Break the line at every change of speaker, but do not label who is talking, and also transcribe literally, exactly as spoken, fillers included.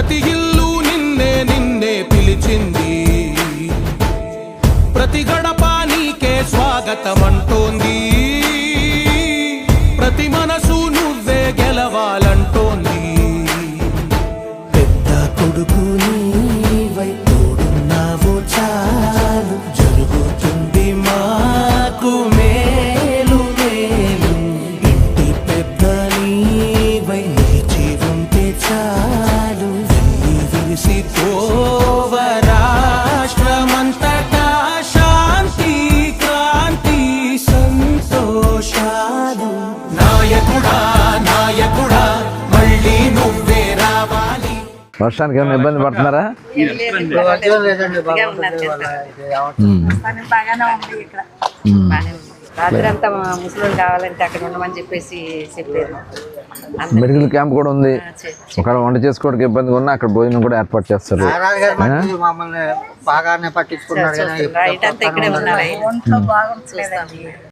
ప్రతి ఇల్లు నిన్నే నిన్నే పిలిచింది, ప్రతి గడప నీకే స్వాగతం అంటోంది, ప్రతి మనసు నువ్వే గెలవాలంటోంది.
పెద్ద కొడుకు నీవై తోడున్నావు చాలు, జరుగుతుంది మాకు మేలు మేలు. ఇంటి పెద్ద నీవై నిలిచి ఉంటే చాలు, వెళ్ళి విరిసి పోవ రాష్ట్రమంతటా శాంతి క్రాంతి సంతోషాలు. నాయకుడా నాయకుడా మళ్ళీ నువ్వే రావాలి.
వర్షానికి ఏమైనా ఇబ్బంది పడుతున్నారా?
రాత్రి అంతా ముసలి కావాలంటే అక్కడ ఉండమని చెప్పేసి చెప్పారు.
మెడికల్ క్యాంప్ కూడా ఉంది, ఒకవేళ వంట చేసుకోవడానికి ఇబ్బందిగా ఉన్నా అక్కడ భోజనం కూడా ఏర్పాటు చేస్తారు.
మమ్మల్ని బాగానే పట్టించుకున్నారు.
ఇక్కడే ఉన్నారు.